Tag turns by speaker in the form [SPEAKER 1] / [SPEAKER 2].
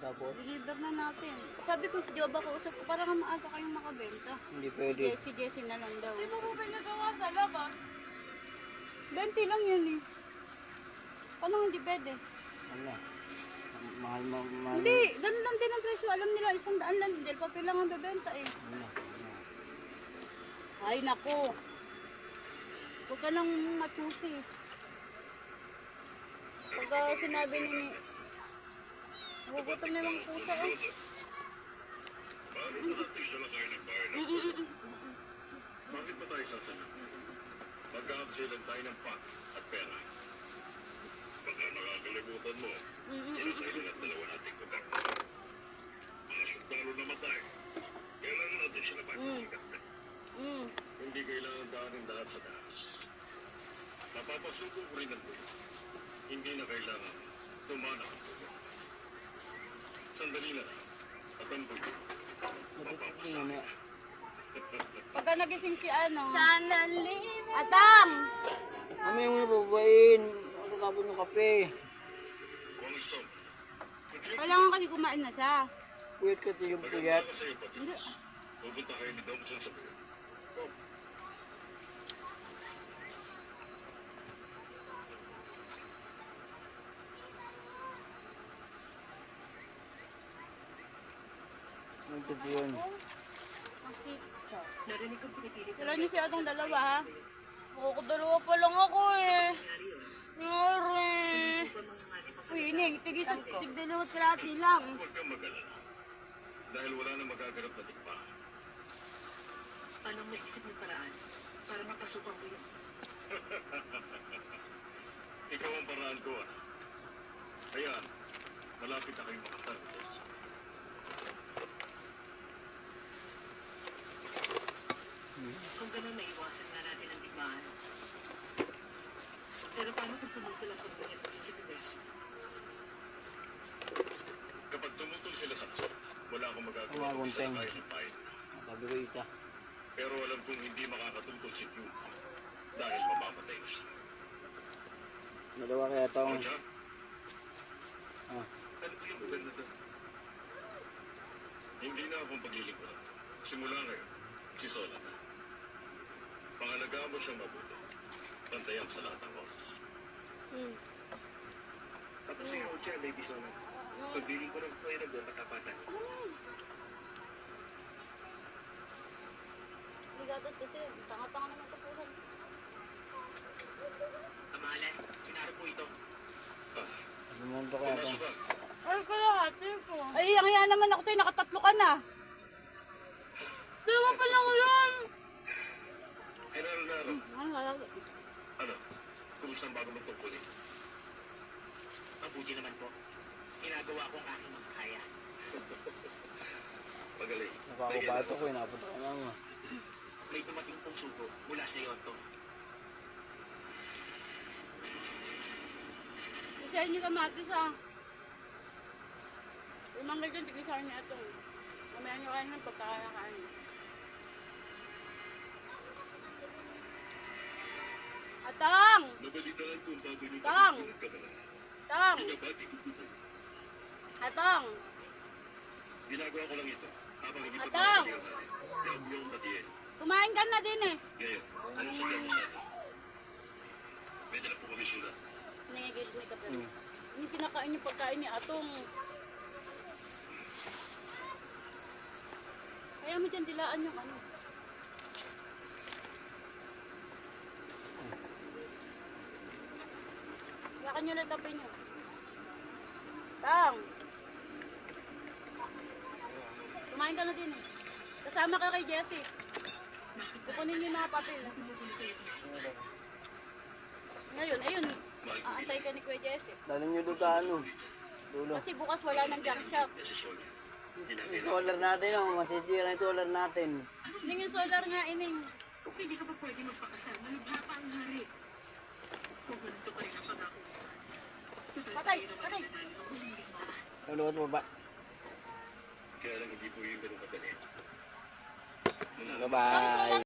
[SPEAKER 1] Tapos?
[SPEAKER 2] Deliver na natin. Sabi ko si Joba ko, usap ko para nga maaga kayong makabenta.
[SPEAKER 1] Hindi pwede.
[SPEAKER 2] Si Jessie na lang daw.
[SPEAKER 3] Di ba mo pinagawa sa labas?
[SPEAKER 2] 20 lang yun eh. Paano hindi pwede?
[SPEAKER 1] Ano? Mahal.
[SPEAKER 2] Hindi, ganun lang din ang presyo. Alam nila, 100 lang din. Papel lang ang bebenta eh.
[SPEAKER 1] Ano?
[SPEAKER 2] Ay, naku. Huwag ka nang matusi. Pagka sinabi ni nagugutom na lang pusa eh.
[SPEAKER 4] Bakit ba tayo sasalit? Magkakasilan tayo ng pak at pera. Baka nakakalimutan mo, inasailan at dalawa nating pagkakita. Mga sundalo na matay. Kailangan natin sila pagkakita. Hindi kailangan daanin lahat sa taas. Napapasuko ko rin ang buhay. Hindi na kailangan tumana ang buhay. Sandali na lang. At ang buhay. Mapapasaya.
[SPEAKER 2] Pagka nagising si ano.
[SPEAKER 3] Sana live.
[SPEAKER 2] Atang!
[SPEAKER 1] Ano yung nababain? Magkakapon ng kape.
[SPEAKER 4] Wangsong.
[SPEAKER 2] Kailangan kasi kumain na siya.
[SPEAKER 1] Puyat ka yung puyat.
[SPEAKER 4] Maganda sa'yo, Patis.
[SPEAKER 2] Hindi.
[SPEAKER 4] Pupunta kayo ni Thompson sa buhay. Oh.
[SPEAKER 1] Ano ito yun?
[SPEAKER 2] Tira niyo siya itong dalawa ha. Dalawa pa lang ako eh. Yari. Uy, Ining, tigdalawat krati lang.
[SPEAKER 4] Huwag kang mag-alala. Dahil wala nang magaganap na tikpa.
[SPEAKER 5] Anong maisip ng paraan para makasukan mo yun?
[SPEAKER 4] Ikaw ang paraan ko, ah. Ayan, malapit na kayong makasal.
[SPEAKER 5] Kung gano'n, maiwasan na natin ang digmaan. Pero paano kung tumutol ang pagbuhay ng isip ni Bess?
[SPEAKER 4] Kapag tumutol sila sa kasal, wala akong magagawa
[SPEAKER 1] Wala akong
[SPEAKER 4] sa
[SPEAKER 1] teng.
[SPEAKER 4] kaya ng pain.
[SPEAKER 1] Sabi ko ita.
[SPEAKER 4] Pero alam kong hindi makakatungkol si Q. Dahil mamamatay na siya.
[SPEAKER 1] Dalawa kaya
[SPEAKER 4] O
[SPEAKER 1] taong.
[SPEAKER 4] siya,
[SPEAKER 1] Ah.
[SPEAKER 4] ano ba yung maganda doon? Hindi na akong paglilingkuran. Simula ngayon, si Sola na. Pangalagaan mo siyang mabuti. Pantayan sa lahat ng oras.
[SPEAKER 6] Tapos yung Ocha, Lady Sola. Pagbiling ko ng kayo ng buong katapatan.
[SPEAKER 2] Bigatot kasi, tanga-tanga naman kapusan.
[SPEAKER 5] Amalan, sinaro po ito.
[SPEAKER 1] Ano naman ito kaya taong?
[SPEAKER 4] Pumasok ka.
[SPEAKER 3] Ay, kalahati po.
[SPEAKER 2] Ay, ang hiya naman ako tayo, nakatatlo ka na.
[SPEAKER 3] Dalawa pa lang yun.
[SPEAKER 4] Ay, naro. Ano? Kumusta ang bago mong tungkulin?
[SPEAKER 5] Mabuti naman po. Ginagawa ko ang aking makakaya.
[SPEAKER 4] Magaling.
[SPEAKER 1] Nakakabato ko, inapunta ko lang.
[SPEAKER 5] May dumating pong sugo mula sa Yonto.
[SPEAKER 2] Isahin niyo kamatis ha. Umanggal dyan, tigisahin niya ito. Mamaya niyo kain ng pagkakakain. Atang!
[SPEAKER 4] Nabalitaan ko ang bago niyong
[SPEAKER 2] Tang!
[SPEAKER 4] pagtutulog ka na.
[SPEAKER 2] Atang!
[SPEAKER 4] Pinabati ko po.
[SPEAKER 2] Atang!
[SPEAKER 4] Ginagawa ko lang ito. Habang hindi pa
[SPEAKER 2] Atang!
[SPEAKER 4] yung batiin.
[SPEAKER 2] Kumain ka na din eh.
[SPEAKER 4] Ngayon, ano sa dyan sa atin? Pwede na po kami sulat.
[SPEAKER 2] Nangigilig ni Kapre. Hindi kinakain yung pagkain ni Atong. Kaya mo dyan dilaan yung ano. Yakan nyo lang tapin nyo. Tang! Kumain ka na din eh. Kasama ka kay Jessie. Kukunin niyo yung mga papel. Ngayon, ayun. Aantay ka ni Kuya Jessie.
[SPEAKER 1] Dali nyo doon sa ano. Dulo.
[SPEAKER 2] Kasi bukas wala ng junk shop.
[SPEAKER 4] Kasi Sonia,
[SPEAKER 1] Yung solar natin, oh. Masisira yung solar natin.
[SPEAKER 2] Ining yung solar nga, ining.
[SPEAKER 5] Hindi ka ba pwede magpakasal? Malubha pa ang hari. Kung ganito pa rin ang pangako.
[SPEAKER 2] Patay! Patay!
[SPEAKER 1] Lulukot mo ba?
[SPEAKER 4] kaya lang hindi po yung ganun kadali.
[SPEAKER 1] Bye-bye.